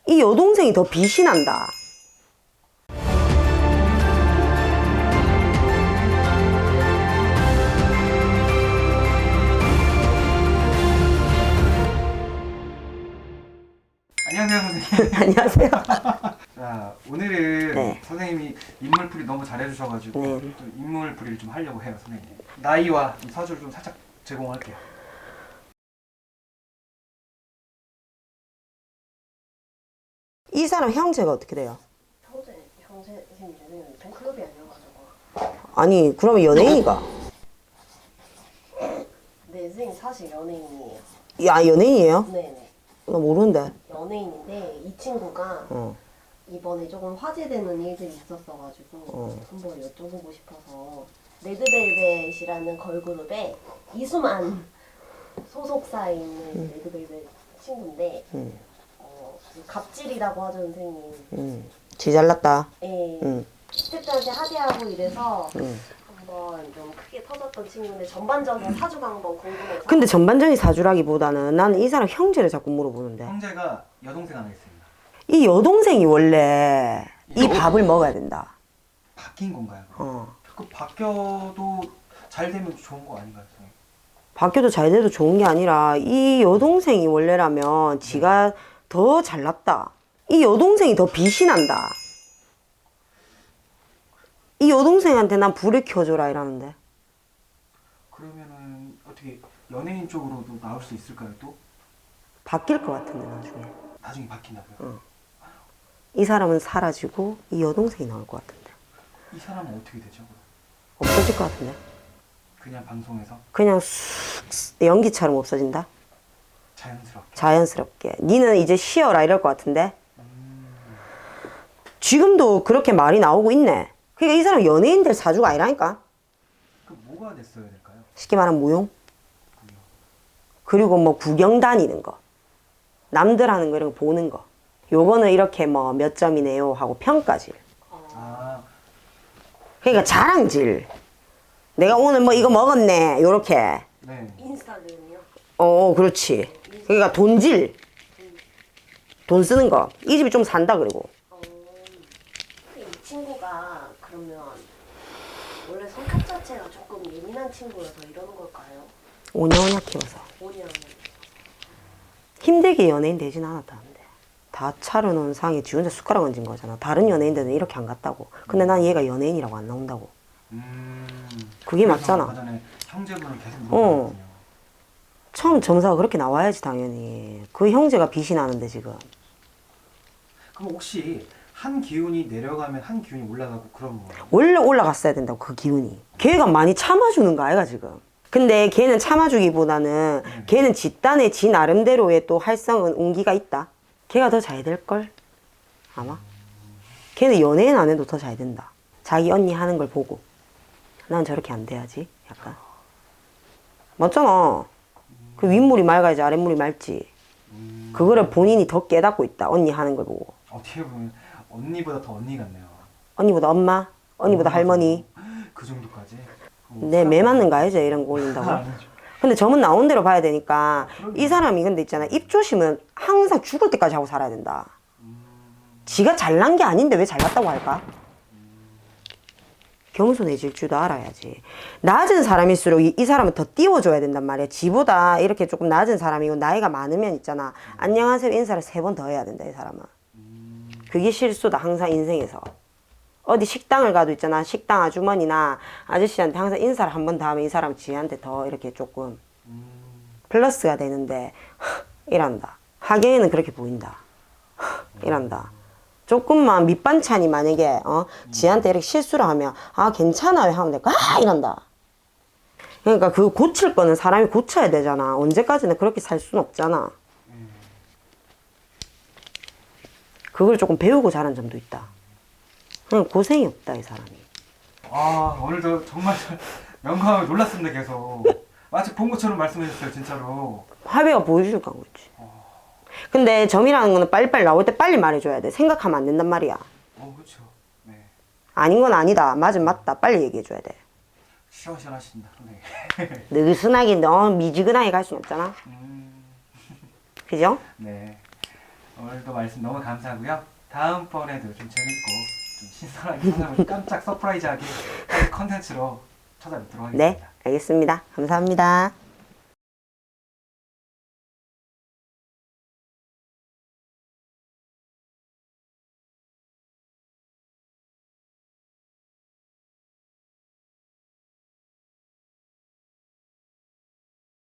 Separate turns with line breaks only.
이 여동생이 더 빛이 난다.
안녕하세요, 선생님.
안녕하세요.
자, 오늘은
네.
선생님이 인물풀이 너무 잘해주셔가지고
네.
또 인물풀이를 좀 하려고 해요, 선생님. 나이와 좀 사주를 좀 살짝 제공할게요.
이 사람 형제가 어떻게 돼요?
형제는 팬클럽이 아니어가지고.
아니 그러면 연예인이가?
네, 선생님 사실 연예인이에요.
야 연예인이에요?
네네.
나 모르는데.
연예인인데 이 친구가
어.
이번에 조금 화제되는 일들이 있었어가지고 한번 여쭤보고 싶어서 레드벨벳이라는 걸그룹에 이수만 소속사에 있는 레드벨벳 친구인데 갑질이라고 하죠 선생님.
지 잘났다.
예.
응.
스태프들한테 하대하고 이래서 한번 좀 크게 터졌던 친구인데 전반적인 사주가 한번 궁금해서.
근데 전반적인 사주라기보다는 나는 이 사람 형제를 자꾸 물어보는데
형제가 여동생 하나 있습니다.
이 여동생이 원래 이 밥을 먹어야 된다.
바뀐 건가요?
어.
그 바뀌어도 잘 되면 좋은 거 아닌가요, 선생님?
바뀌어도 잘 돼도 좋은 게 아니라 이 여동생이 원래라면 지가 더 잘났다. 이 여동생이 더 빛이 난다. 이 여동생한테 난 불을 켜줘라 이러는데
그러면은 어떻게 연예인 쪽으로도 나올 수 있을까요, 또?
바뀔 것 같은데 나중에
나중에 바뀐다고요?
이 사람은 사라지고 이 여동생이 나올 것 같은데
이 사람은 어떻게 되죠, 그럼?
없어질 것 같은데
그냥 방송에서
그냥 쑥 연기처럼 없어진다.
자연스럽게.
자연스럽게 니는 이제 쉬어라 이럴 것 같은데 지금도 그렇게 말이 나오고 있네. 그러니까 이 사람 연예인들 사주가 아니라니까.
그 뭐가 됐어야 될까요?
쉽게 말하면 무용.
그게.
그리고 뭐 구경 다니는 거, 남들 하는 거 이런 거 보는 거. 요거는 이렇게 뭐 몇 점이네요 하고 평가질.
아,
그러니까 자랑질. 내가 오늘 뭐 이거 먹었네 요렇게.
네.
인스타그램이요?
그렇지. 그러니까 돈질. 돈 쓰는 거. 이 집이 좀 산다 그리고.
근데 이 친구가 그러면 원래 성격 자체가 조금 예민한 친구여서 이러는 걸까요?
오냐오냐 키워서.
5년.
힘들게 연예인 되진 않았다는데. 다 차려놓은 상에 지 혼자 숟가락 얹은 거잖아. 다른 연예인들은 이렇게 안 갔다고. 근데 난 얘가 연예인이라고 안 나온다고. 그게
그래서
맞잖아.
아까 전에 형제분을 계속 물어봤거든요.
처음 점사가 그렇게 나와야지 당연히. 그 형제가 빛이 나는데 지금.
그럼 혹시 한 기운이 내려가면 한 기운이 올라가고 그런 거예요?
원래 올라갔어야 된다고 그 기운이. 걔가 많이 참아주는 거 아이가 지금. 근데 걔는 참아주기보다는 걔는 집단의 지 나름대로의 또 활성은 운기가 있다. 걔가 더 잘 될걸? 아마? 걔는 연예인 안 해도 더 잘 된다. 자기 언니 하는 걸 보고. 난 저렇게 안 돼야지. 약간. 맞잖아. 그 윗물이 맑아야지 아랫물이 맑지. 그거를 본인이 더 깨닫고 있다. 언니 하는 걸 보고.
어떻게 보면 언니보다 더 언니 같네요.
언니보다 엄마, 언니보다 할머니.
그 정도까지?
내 매 맞는 거 알죠? 이런 거 올린다고.
아니죠.
근데 점은 나온 대로 봐야 되니까 이 사람이 근데 있잖아. 입조심은 항상 죽을 때까지 하고 살아야 된다. 지가 잘난 게 아닌데 왜 잘났다고 할까? 겸손해질 줄도 알아야지. 낮은 사람일수록 이 사람은 더 띄워줘야 된단 말이야. 지보다 이렇게 조금 낮은 사람이고 나이가 많으면 있잖아. 안녕하세요 인사를 3번 더 해야 된다 이 사람은. 그게 실수다 항상 인생에서. 어디 식당을 가도 있잖아. 식당 아주머니나 아저씨한테 항상 인사를 한 번 더 하면 이 사람 지한테 더 이렇게 조금 플러스가 되는데 이란다. 하경이는 그렇게 보인다. 이란다. 조금만 밑반찬이 만약에 지한테 이렇게 실수를 하면 아 괜찮아요 하면 될까? 아 이란다. 그러니까 그 고칠 거는 사람이 고쳐야 되잖아. 언제까지나 그렇게 살 수는 없잖아. 그걸 조금 배우고 자란 점도 있다. 그냥 고생이 없다 이 사람이.
아, 오늘도 정말 명감하게 놀랐습니다, 계속. 마치 본 것처럼 말씀해 주셨어요, 진짜로.
화배가 보여주니까 그렇지. 근데 점이라는 거는 빨리빨리 나올 때 빨리 말해줘야 돼. 생각하면 안 된단 말이야.
그렇죠. 네.
아닌 건 아니다. 맞은 맞다. 빨리 얘기해줘야 돼.
시원시원하신다, 네.
느슨하게 너무 미지근하게 갈 수는 없잖아. 그죠?
네. 오늘도 말씀 너무 감사하고요. 다음번에도 좀 재밌고 좀 신선하게 상담을 깜짝 서프라이즈하게 하는 컨텐츠로 찾아뵙도록
네,
하겠습니다.
알겠습니다. 감사합니다.